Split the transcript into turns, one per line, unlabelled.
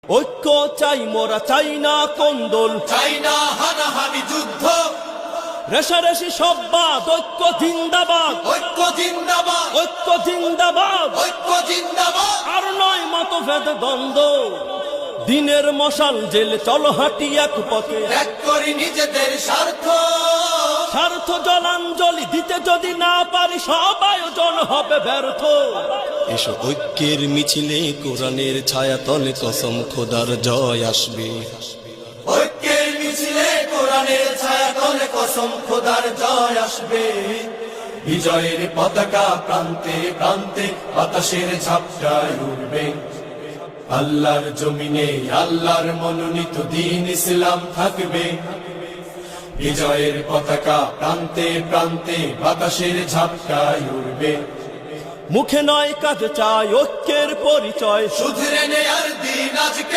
ঐক্য চাই মোরা, চাই না কোন্দল,
চাই না হানাহানি যুদ্ধ,
রেশারেশি সব বাদ, ঐক্য জিন্দাবাদ,
ঐক্য জিন্দাবাদ,
ঐক্য জিন্দাবাদ।
ঐক্য জিন্দাবাদ।
আর নয় মতভেদ দ্বন্দ্ব, দিনের মশাল জেলে চলো হাঁটি এক পথে,
ত্যাগ করি নিজেদের স্বার্থ,
স্বার্থ জলাঞ্জলি দিতে যদি না পারি সব আয়োজন হবে ব্যর্থ। এসো ঐক্যের মিছিলে কোরআনের ছায়াতলে কসম খোদার জয় আসবে।
ঐক্যের মিছিলে কোরআনের ছায়াতলে কসম খোদার জয় আসবে। বিজয়ের পতাকা প্রান্তে প্রান্তে বাতাসের ঝাপটায় উঠবে। আল্লাহর জমিনে আল্লাহর মনোনীত দ্বীন ইসলাম থাকবে। বিজয়ের পতাকা প্রান্তে প্রান্তে বাতাসের ঝাপটায় উঠবে।
মুখে নয় কাজে চাই ঐক্যের পরিচয়,
শুধরে নেয়ার দিন আজকে।